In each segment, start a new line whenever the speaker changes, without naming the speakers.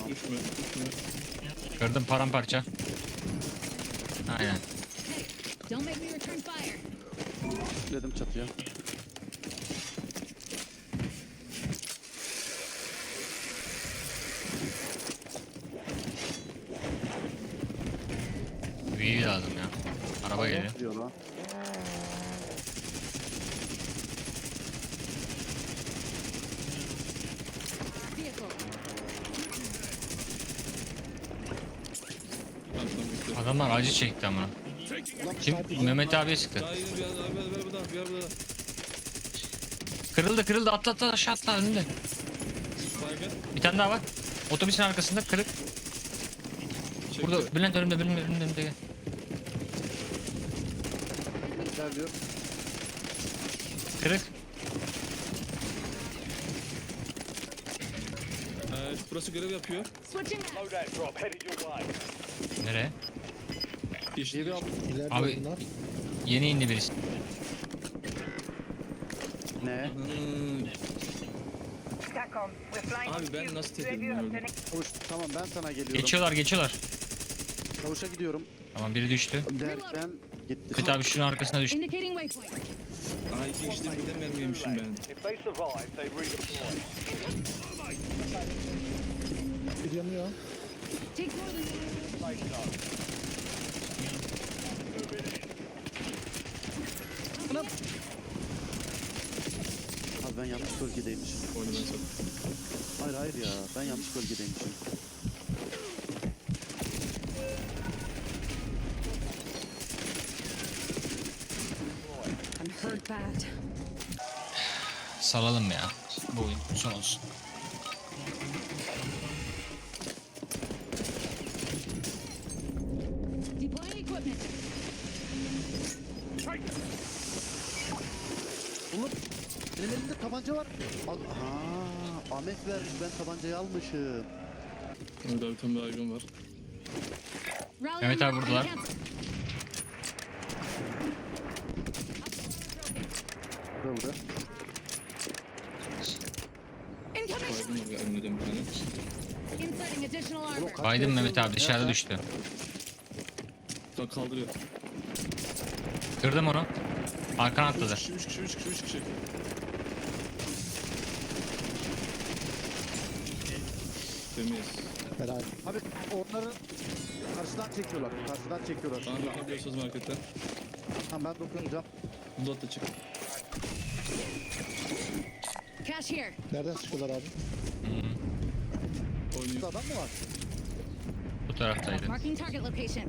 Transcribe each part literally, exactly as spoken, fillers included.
Düşme, düşme.
Kırdım paramparça. Aynen.
Don't make me return fire.
Dedim çatıya.
Büyü lazım ya. Araba geliyor.
Diyor lan.
Vehicle.
Tamam tamam bitti.
Adamlar acı çekti ama. Kim? Mehmet abiye sıktı.
Daha yeni bir adam, bir adam, bir adam, bir adam.
Kırıldı kırıldı atla atla aşağı atla önünde.
Baygın.
Bir tane daha var. Otobüsün arkasında kırık.
Çekti.
Burada Bülent önümde Bülent önümde önümde. Gel.
Gel diyor.
Kırık.
Ee, burası görev yapıyor.
Switching.
Loadout drop headed your way.
Nereye?
İşte
Geri al.
İleride
Abi-
bunlar.
Yeni indi birisi.
Ne?
Hmm,
SATCOM, we're flying
Abi
on
ben
cue.
nasıl
Review
tedirgin
of
oldum?
the next-
Çavuş tamam ben sana geliyorum.
Geçiyorlar geçiyorlar.
Çavuşa gidiyorum.
Tamam biri düştü.
Derken gitti.
Mehmet abi şunun arkasına düştü.
Indicating waypoint.
Aa iki işte bir de mermi yemişim ben.
If they survive, they redeploy.
Bir yanıyor.
Takes more than
Safe zone.
Abi ben yanlış bölgedeymişim.
Oyunu ben sattım.
Hayır hayır ya ben yanlış bölgedeymişim.
I'm hurt bad.
Salalım ya. Bu oyun son olsun.
Deploying equipment.
Oğlum benim elimde tabanca var. Al ha, Ahmet vermiş ben tabancayı almışım.
Orada bir tane baygın var.
Rally
Mehmet
on
abi
mark.
buradalar.
Cancel.
Burada.
Incoming.
Baygın var önümde bir tane.
Inserting additional armor.
Baydım Mehmet abi dışarıda düştü.
Bak kaldırıyor.
Kırdım onu. Arkana
Üç
atladı.
kişi, üç kişi, üç kişi, üç kişi. Temiz.
Helal.
Abi onları karşıdan çekiyorlar. Karşıdan çekiyorlar.
Bana bakabiliyorsunuz marketten.
Tamam ben dokunacağım.
Bulat da çık.
Cash here.
Nereden sıkıyorlar abi?
Burada
Oynuyor.
adam mı var?
Bu taraftaydı.
Marking target location.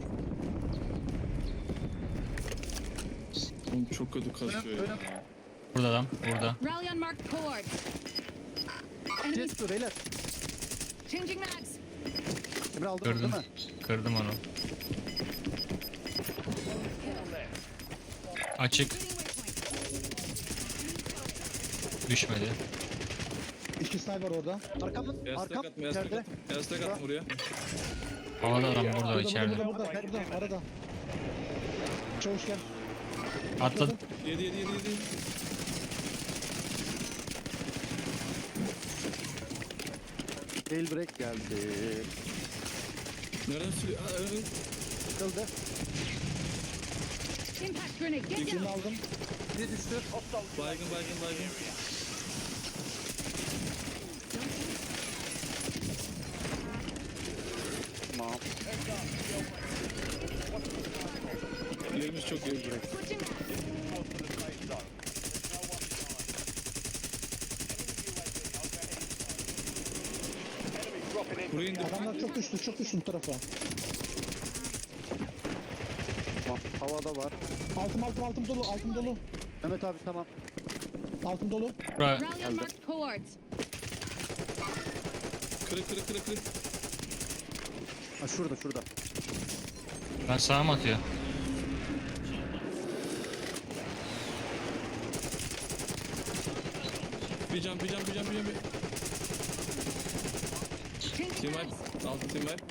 Oğlum çok kötü kasıyor ya.
Burada adam. Burada.
Rally on marked coords. Enemy
Şey tutuyor beyler.
changing mags.
Emre aldın onu
Kırdım.
değil mi?
Kırdım onu. Açık.
Hitting waypoint.
Düşmedi.
İki sniper orada.
Arkamın,
Beyaz
arkam
tek atma, beyaz tek
içeride.
atma. Beyaz tek atma oraya.
Havada adam burada
Burada
içeride.
burada burada burada. Burada arada. Çavuş gel.
Atladı.
Yedi, yedi, yedi, yedi.
Tail break geldi.
Nereden sürüyor? Aa, ön.
Kıldı.
Impact grenade. Get
Birini
down.
aldım.
Bir düştü.
Baygın, baygın, baygın.
Tamam.
Yerimiz çok iyi.
Switching mags.
Buraya indir.
Adamlar çok düştü çok düştü bu tarafa.
Tamam. Havada var.
Altım altım altım dolu altım dolu.
Mehmet abi tamam.
Altım dolu.
Bura.
Rally on marked coords.
Kırık, kırık, kırık, kırık.
Ha şurada şurada.
Ben sağa mı atıyor?
Bir can, bir can, bir can, bir can. bir-
Changing
Team
mags.
wipe. Altı team wipe.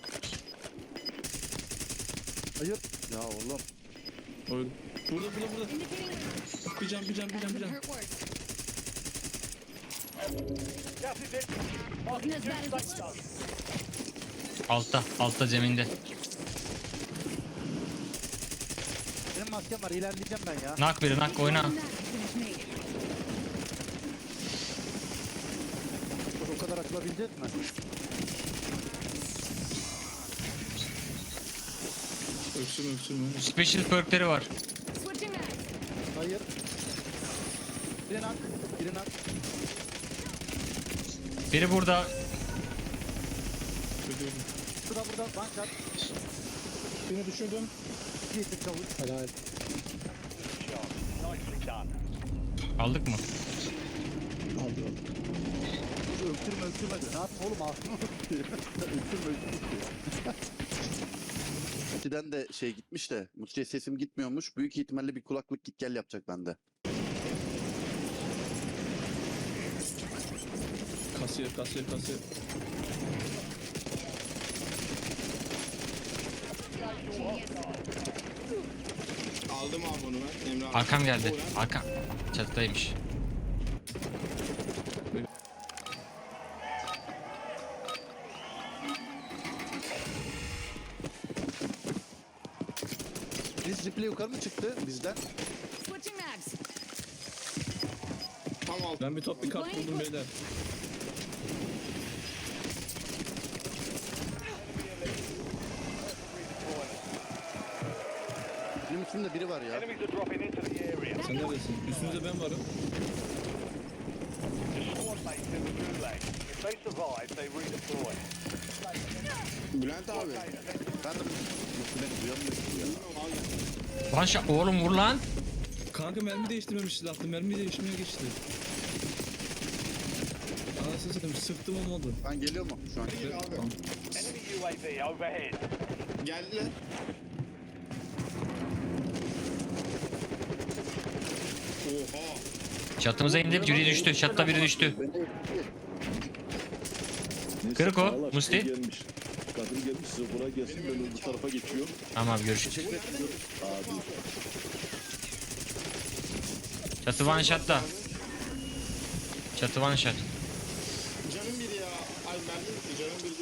Hayır. Ya oğlum.
Öldü. Burada, burada, burada.
Indicating
Bir can, bir can, bir
that
can, bir
could
can.
hurt worse.
Gas is in.
Wasn't as bad as it
Safe
looks.
zone.
Altta, altta zeminde.
Benim maskem var, ilerleyeceğim ben ya.
Nak biri, nak oyna.
Finish me.
O kadar açılabilecek mi?
Öksürme öksürme.
Special perkleri var.
Switching mags.
Hayır. Biri nak, biri nak.
Biri burada.
Ödüyorum.
Burada burada, one shot.
Birini düşürdüm.
Yiğit'in çavuş.
Helal.
Nicely done.
Aldık mı?
Aldı aldı.
Öksürme öksürme diyor. Ne yapayım oğlum ağzını öksürme öksürme diyor. Muti'den de şey gitmiş de Muti'ye sesim gitmiyormuş. Büyük ihtimalle bir kulaklık git gel yapacak bende.
Kasiyer kasiyer kasiyer.
Aldım abi onu ben. Emre abi.
Arkam geldi. Arkam. Çatıdaymış.
Biz replay yukarı mı çıktı bizden?
Switching mags.
Tam aldım.
Ben bir top bir kart buldum beyler.
Benim üstümde biri var ya.
Enemies are dropping into the area.
Sen neredesin? Üstünüzde ben varım.
The squad mates in the gulag. If they survive, they redeploy.
Bülent abi.
Ben de Muti beni duyamıyor ki ya.
Lan şa- oğlum vur lan.
Kanka mermi değiştirmemişiz aklım. Mermi değiştirmeye geçti. Anasını satayım sıktım olmadı.
Ben geliyor mu şu an?
Gel abi.
Tamam.
Enemy U A V overhead.
Geldiler. Oha.
Çatımıza indi. Biri düştü. Çatıda biri düştü. Kırık o. Musti.
Gelmiş. Kadın gelmiş size buraya gelsin ben öbür tarafa geçiyorum.
Tamam abi görüşürüz.
Abi.
Çatı one shot'ta. Çatı one shot.
Canım bir ya. Ay mermi bitti canım bir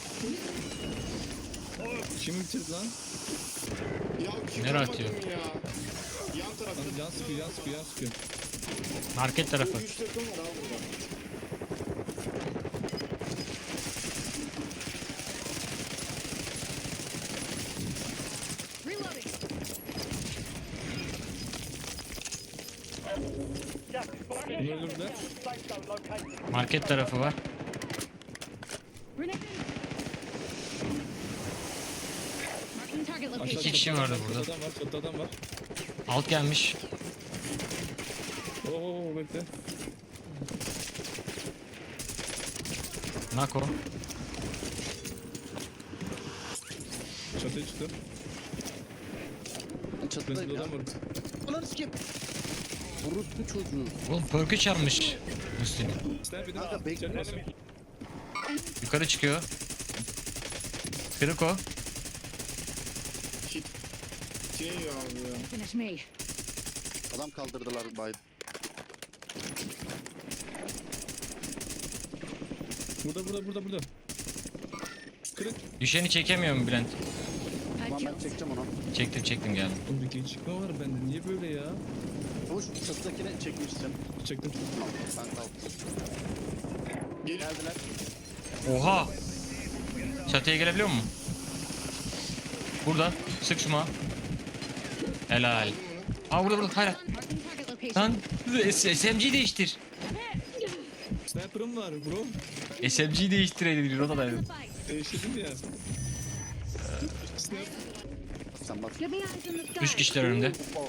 değil.
Kimi bitirdi lan?
Ya kim
Nereye
almadın
atıyor?
ya? Yan tarafta.
Lan yan sıkıyor yan sıkıyor yan sıkıyor.
Market tarafı.
Üç takım var abi burada.
Reloading.
Gas is moving.
Bunu öldürdüler.
Safe zone located.
Market tarafı var.
Grenade. Marking target
Aşağı
location.
İki kişi
çatıda
vardı
adam var,
burada.
Çatıda adam var çatıda adam var.
Alt gelmiş.
Oo bekle.
Nak o.
Çatıya çıktı.
Ben çatıdayım
Çatıda
ya.
adam var.
Ulan sikeyim. Orospu çocuğu.
Oğlum perk'ü çalmış. Musti'nin.
Sniper edin.
Kanka, bekle.
İçeri basın.
Yukarı çıkıyor. Kırık o.
Kit. Şey ya abi ya.
Finish me.
Adam kaldırdılar bay.
Burada burada burada burada. Kırık.
Düşeni çekemiyor mu Bülent?
I
Tamam ben
killed.
çekeceğim onu.
Çektim çektim geldim.
Oğlum bir gecikme var bende. Niye böyle ya?
Çavuş çatıdakine çekmişsin.
Çektim.
Tamam ben kaldım.
Gel.
Geldiler.
Oha. Çatıya gelebiliyor mu? Burada. Sık şuma. Helal. Aa burada burada. Hayır.
Marking target location.
Lan S- SMG'yi değiştir.
Sniper'ım var bro.
S M G'yi değiştirelim. Rotadaydım.
Fight.
Değiştirdim ya. Sniper.
Sen bas.
Give me eyes in the sky.
Üç kişiler önümde.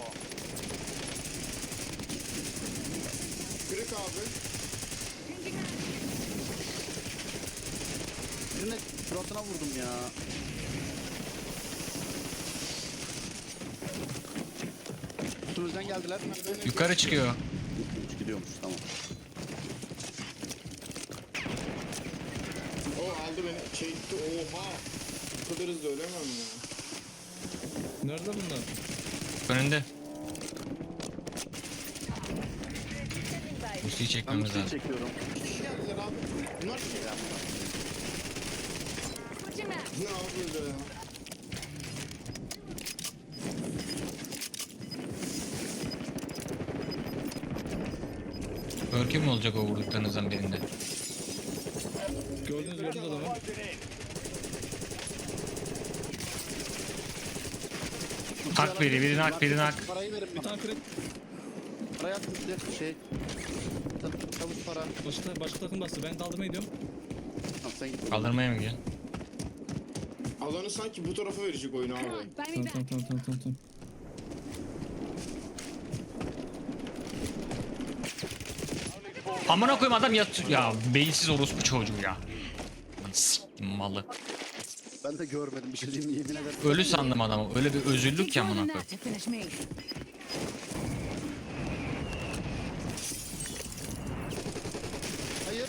Kırık abi.
Changing mags.
Birine suratına vurdum ya. Üstümüzden geldiler.
Yukarı çıkıyor.
Gidiyormuş tamam.
O aldı beni. Çekti. Oha. Bu kadar hızlı ölemem ya.
Nerede bunlar?
Önünde. Musti'yi
Ben
çekmemiz
Musti'yi
lazım.
çekiyorum.
İki kişi geldiler abi. Bunlar kim?
Switching back.
Ne yapıyor ya?
Örkü mü olacak o vurduklarınızdan birinde?
Gördünüz gördünüz adamı.
Closing in.
Hak biri, biri nak, biri nak.
Parayı verin
Bir
bana.
tane kırık.
Parayı at bitti. Şey. Ta- Çavuş para.
Başka, başka takım bastı. Ben kaldırmaya gidiyorum.
Tamam sen git.
Kaldırmaya mı gidiyorsun?
Alanı sanki bu tarafa verecek oyunu
Come
abi.
on, buy me
Tamam
back.
tamam tamam tamam tamam. tamam.
Amına koyayım adam yat ya beyinsiz orospu çocuğu ya. Lan s**tim malı.
Ben de görmedim bir şey diyeyim yemin ederim.
Ölü sandım adamı. Öyle bir özürlük
Keep
ya amına
rolling
koyayım.
that to finish me.
Hayır.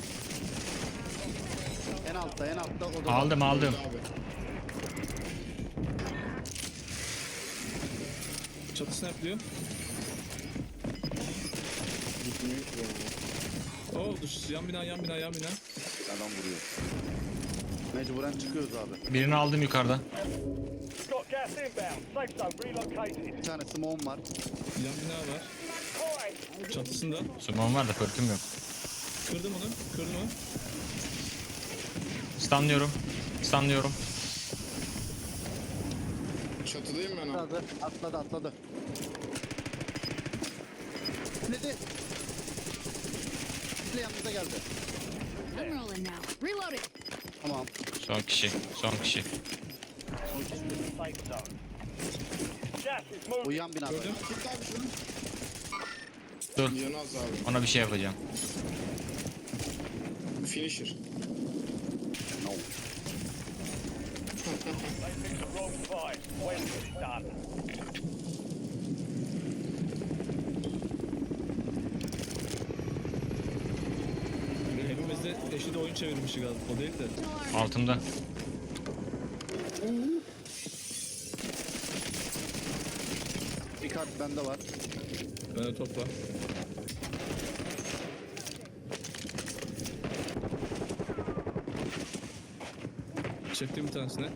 En altta en altta odada.
Aldım aldım.
Abi.
Çatı snaplıyor.
Gitmiyor ki ya.
Oo düş. Yan bina yan bina yan bina.
Adam vuruyor. Mecburen çıkıyoruz abi.
Birini aldım yukarıda.
Got gas inbound. Safe zone relocated.
Bir tane smoke'um var.
Yan bina var.
Fine.
Çatısında.
Sumam var da perküm yok.
Kırdım onu. Kırdım onu.
Stunlıyorum. Stunlıyorum.
Çatıdayım ben abi.
Atladı atladı atladı. Nedi? Bir de yanımıza geldi.
I'm rolling now. Reloading.
Tamam.
Son kişi. Son kişi.
Safe zone. Gas is moving.
Uyuyan binada.
Gördüm.
Git abi şunu.
Dur.
Yanı az abi.
Ona bir şey yapacağım.
Finisher.
No.
They picked the wrong side. Well done.
Hepimiz de eşit oyun çevirmişiz galiba. O değil de.
Altımda.
Bir kart bende var.
Bende top var. Çektim bir tanesine.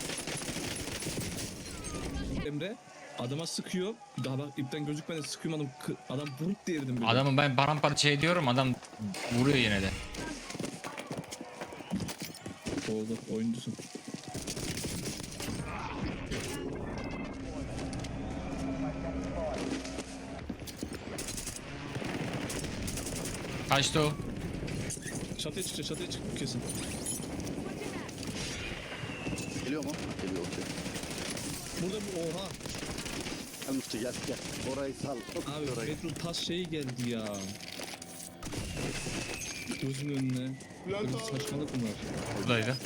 Emre adama sıkıyor. Daha bak ipten gözükmeden sıkıyorum adam. kı- Adam buruk diye yedim.
Adamı ben paramparça ediyorum. Adam vuruyor yine de.
Oldu oyuncusun.
Kaçtı o.
Çatıya çıkacak çatıya çık kesin.
Geliyor mu? Geliyor okey.
Burada bir oha.
Gel Musti gel gel. Orayı sal.
Abi
Orayı.
Petrol tas şeyi geldi ya. Gözümün önüne. Böyle bir saçmalık bunlar.
Buradaydı.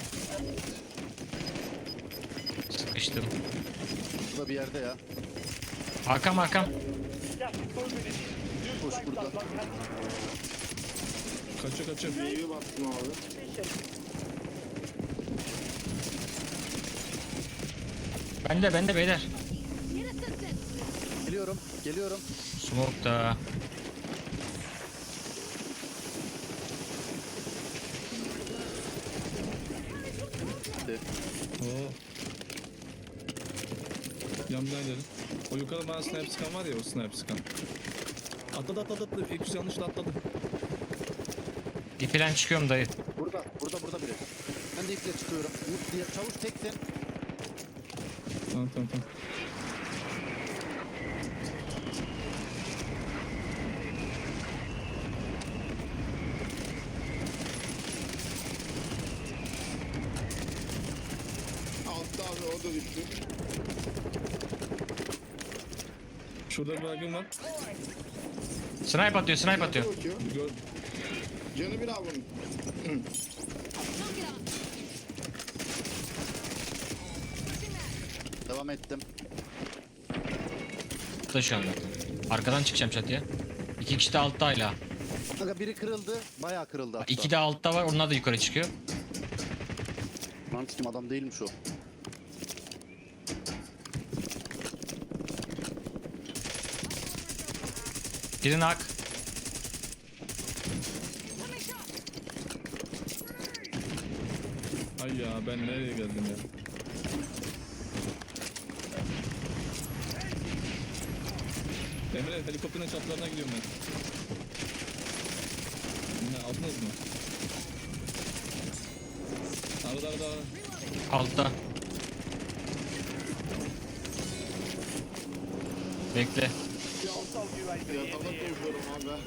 Sıkıştım.
Burada bir yerde ya.
Arkam arkam.
Gas is moving in. New
Koş
safe
burada.
zone located.
Kaçıyor kaçıyor.
Meyve baktım abi.
Bende bende beyler.
Need assistance.
Geliyorum. Geliyorum.
Smoke da.
Gitti.
Oo. Yandan ileri. O yukarıda bana sniper sıkan var ya o sniper sıkan. Atladı atladı atladı. İlk yüz yanlışla atladı.
İpilen çıkıyorum dayı.
Burada. Burada burada biri. Ben de iple çıkıyorum. Umut diye çavuş teksin.
Tamam tamam tamam.
Altta abi o da düştü.
Şurada bir baygın var.
Snipe atıyor snipe atıyor.
Bakıyor.
Gör.
Canı bir abi bunun.
Knock it off.
Devam ettim.
Da şu anda. Arkadan çıkacağım çatıya. İki kişi de altta hala.
Kanka biri kırıldı. Bayağı kırıldı hatta.
İki de altta var. Onlar da yukarı çıkıyor.
Lan kim adam değilmiş o.
Biri nak.
Ay ya ben nereye geldim ya? Emre helikopterin çatlarına gidiyorum ben. Ne aldınız mı? Arada arada arada.
Altta. Bekle.
Hostile U A V in
Yatağda
the area.
konuşuyorum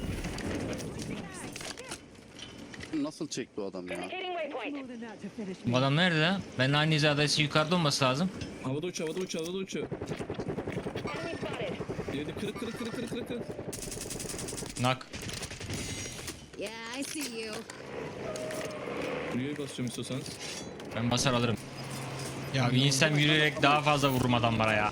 abi.
Nasıl çekti o adam ya?
Indicating waypoint.
Bu adam nerede lan? Ben aynı hizadaysa yukarıda olması lazım.
Havada uçuyor, havada uçuyor, havada uçuyor.
Enemy spotted.
Yedi kırık kırık kırık kırık kırık kırık.
Nak.
Yeah, I see you.
Buraya basıyorum istiyorsanız.
Ben basar alırım. Ya bir insan yürüyerek daha fazla vururum adamlara ya.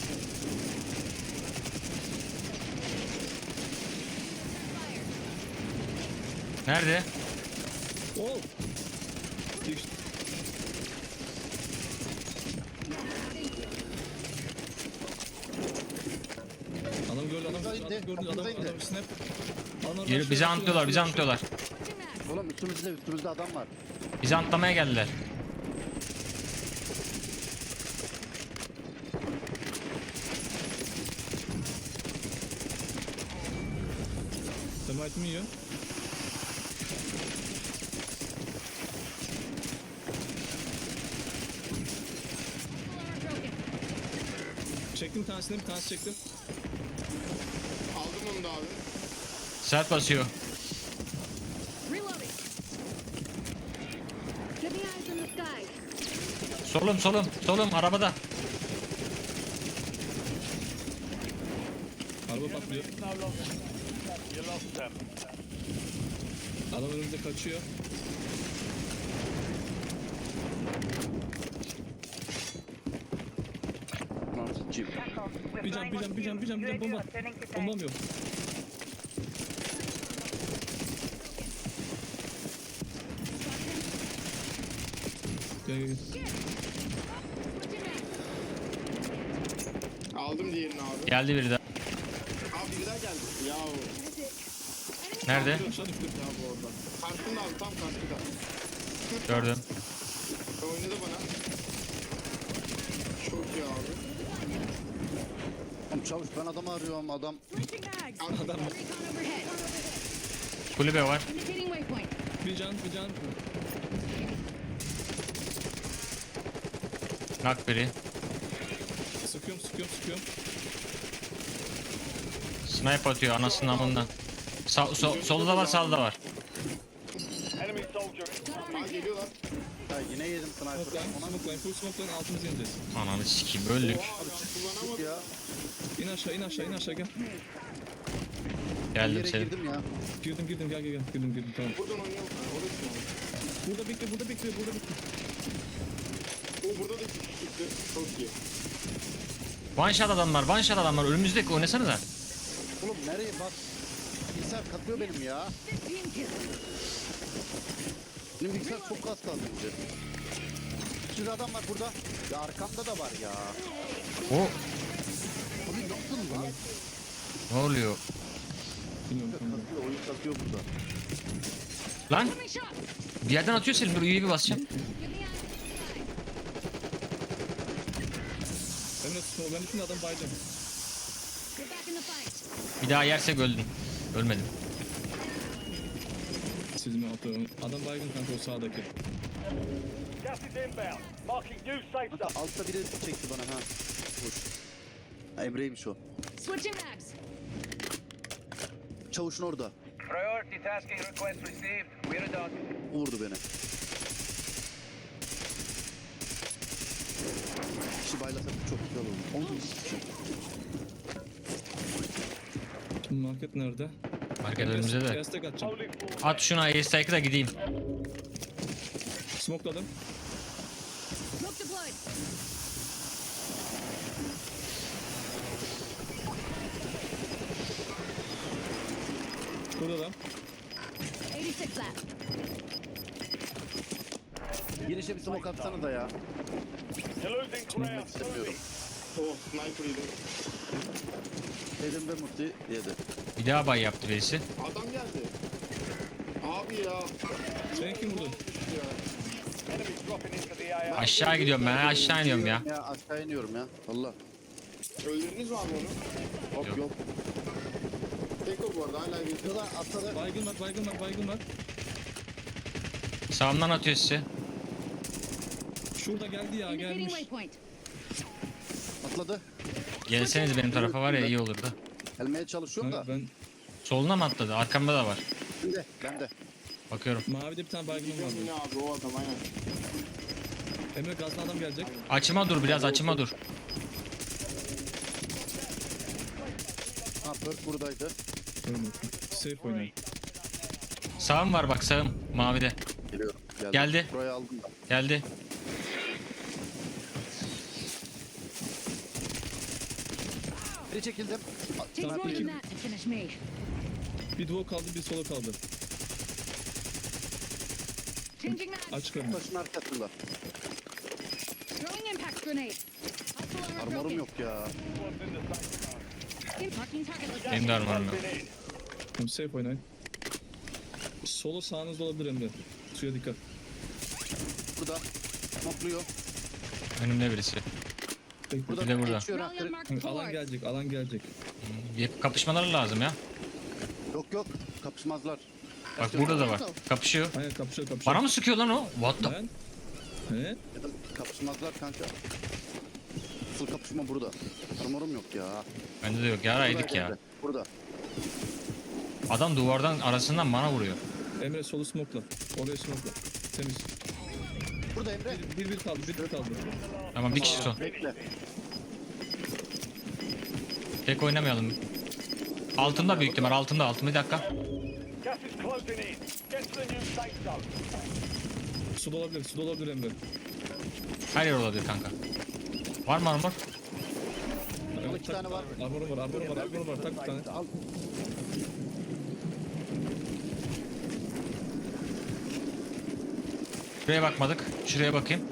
Nerede?
Oh! Düş- Adam gördü, adam gördü, adam gördü, adam, adam snap. Adam
Yürü,
rush'lıyor,
bizi
rush'lıyor,
antlıyorlar, bizi
rush'lıyor.
antlıyorlar.
Oğlum üstümüzde üstümüzde adam var.
Bizi antlamaya geldiler.
Termite mi yiyor? Çektim bir tanesini, bir tanesi çektim.
Aldım onu da abi.
Sert basıyor.
Reloading. Give me eyes in the sky.
Solum solum solum arabada.
Araba patlıyor.
No longer. You lost them.
Adam önümüzde kaçıyor.
Lan cim.
Tackle. We're
Bir can,
flying
bir
on
can, bir can, bir can, bir can,
U A V
bomba.
returning to tank.
Bombam yok. Gel gel gel.
Aldım diğerini abi.
Geldi biri daha.
Abi biri daha geldi. Ya
Nerede?
Aşağı düştüm.
ya bu orada. Karşında abi tam karşında.
Gördüm.
Oynadı bana. Çok iyi abi.
Oğlum çavuş ben adamı arıyorum adam.
Adam
Recon overhead.
Kulübe var.
Indicating waypoint.
bir can, bir can.
Nak biri.
Sıkıyorum, sıkıyorum, sıkıyorum.
Snipe atıyor anasının amından. Sa so solda da var sağda da var.
Enemy soldier.
Aa geliyorlar.
Ya yine yedim sniper'ı.
Smokeline,
Ona
smokeline, full smokeline altımıza ineceğiz.
Ananı sikeyim öldük.
Oha ben kullanamadım.
ya.
İn aşağı, in aşağı, in aşağı gel.
Bir
Geldim
yere
senin.
girdim ya.
Girdim, girdim, gel gel gel. Girdim, girdim, tamam.
Buradan oynayalım. Ha, orası mı abi?
Burada bekle, burada bekle, burada bekle.
O burada da çıktı. Çok iyi.
One shot adamlar, one shot adamlar. Önümüzdeki oynasanıza.
Oğlum nereye bak. Bilgisayar katıyor benim ya.
fifteen kills.
Benim bilgisayar çok az kaldı önce. Bir sürü adam var burada. Ya arkamda da var ya.
O
Abi nasıl lan?
ne oluyor?
Bilmiyorum, tamam.
Katıyor, oyun katıyor burada.
Lan
Give me shot.
bir yerden atıyor Selim. Dur üyeyi bir basacağım.
Give me eyes in the sky.
Emre tutma, ben bütün adam bayacağım.
Get back in the fight.
Bir daha yersek öldün. Ölmedim.
Siz mi atıyorum? Adam baygın kanka o sağdaki.
Gas is inbound. Marking new safe zone.
Kanka altta biri çekti bana ha. Hoş. Ha, Emre'ymiş o.
Switching mags.
Çavuşun orada.
Priority tasking request received. We're done.
Vurdu beni. Kişi baylasak çok güzel olur. Onu
Şimdi market nerede?
Market önümüzde de.
Destek atacağım.
Holding for
At şuna airstrike'ı da gideyim.
Smokeladım.
Smoke deployed.
Burada da.
eighty-six left.
girişe bir smoke atsana da ya.
You're losing
Bilmek
ground.
istemiyorum.
Oh sniper yedim.
Dedim ve Mutlu yedi.
Bir daha bay yaptı birisi.
Adam geldi. Abi ya.
Sen kim vurdun?
Ya.
Enemy dropping A R.
Aşağı gidiyorum ben aşağı iniyorum ya.
Ya aşağı iniyorum ya. Allah.
Öldürdünüz mü abi onu?
Yok
Yok.
yok.
Tek o bu arada hala bir.
Şurada atladı.
Baygın var, baygın var, baygın var.
Sağımdan atıyor sizi.
Şurada geldi ya,
Indicating
gelmiş.
waypoint.
Atladı.
Gelseniz benim tarafa var ya iyi olurdu.
Gelmeye çalışıyorum
Ha,
da.
ben
Soluna mı atladı? Arkamda da var.
Ben de. Ben de.
Bakıyorum.
mavide bir tane baygınım
Bilmiyorum
vardı.
yine abi o adam aynen.
Emre gazlı adam gelecek.
Açıma dur biraz açıma dur.
Ha Perk buradaydı.
Ölmüyor. Safe oynayın.
Sağım var bak sağım. Mavide.
Geliyorum. Geldim.
Geldi.
Burayı aldım da.
Geldi.
Geri çekildim.
Takes
Tamam,
more
peki.
than that to finish me.
Bir duo kaldı, bir solo kaldı.
Changing mags.
Aç karnı.
Taşın arkasında.
Throwing impact grenade. Hostile armor
Armorum
broken.
yok ya.
Marking target location.
Benim de armorum yok.
Tamam, safe oynayın. Solo sağınızda olabilir Emre. Suya dikkat.
Burada. Mokluyor.
Önümde birisi.
Bekle.
Burada
Bir de burada.
geçiyor ha.
Rally on marked
Hı, Alan
bulwark.
gelecek, alan gelecek.
Bir kapışmaları lazım ya.
Yok yok. Kapışmazlar.
Bak burada da var. Kapışıyor.
Aynen kapışıyor, kapışıyor.
Bana mı sıkıyor lan o? What the?
Ben? He?
Ya da kapışmazlar kanka. Asıl kapışma burada. Armorum yok ya.
Bende de yok. Yaraydık
Buradaydı
ya.
Emre, Burada.
Adam duvardan arasından bana vuruyor.
Emre solu smoke'la. Oraya smoke'la. Temiz.
Burada Emre.
Bir bir kaldı, bir bir kaldı.
Tamam bir kişi son.
Bekle.
Tek oynamayalım. Altında büyük ihtimal. Altında altında bir dakika.
Gas is closing in. Get to the new safe zone.
Su da olabilir, su da olabilir Emre.
Her yer olabilir kanka. Var mı armor?
Emre,
iki
tak-
tane var.
Armorum var, armorum var, armorum var. Tak bir tane.
Al.
Şuraya bakmadık. Şuraya bakayım.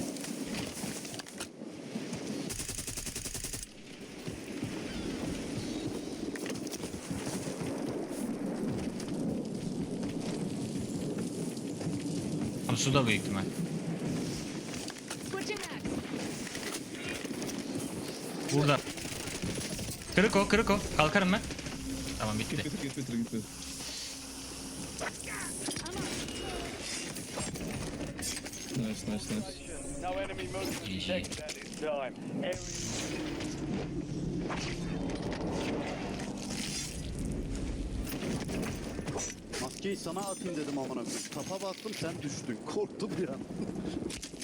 Ama suda büyük ihtimal.
Switching mags.
Burada. Kırık o, kırık o. Kalkarım ben. Tamam
Git
bitti.
bitir, git bitir, git bitir. Nice, nice, nice.
No enemy movement
G G.
detected at this time. Area
Maskeyi sana atayım dedim amına koyayım. Tapa bastım sen düştün. Korktum bir an.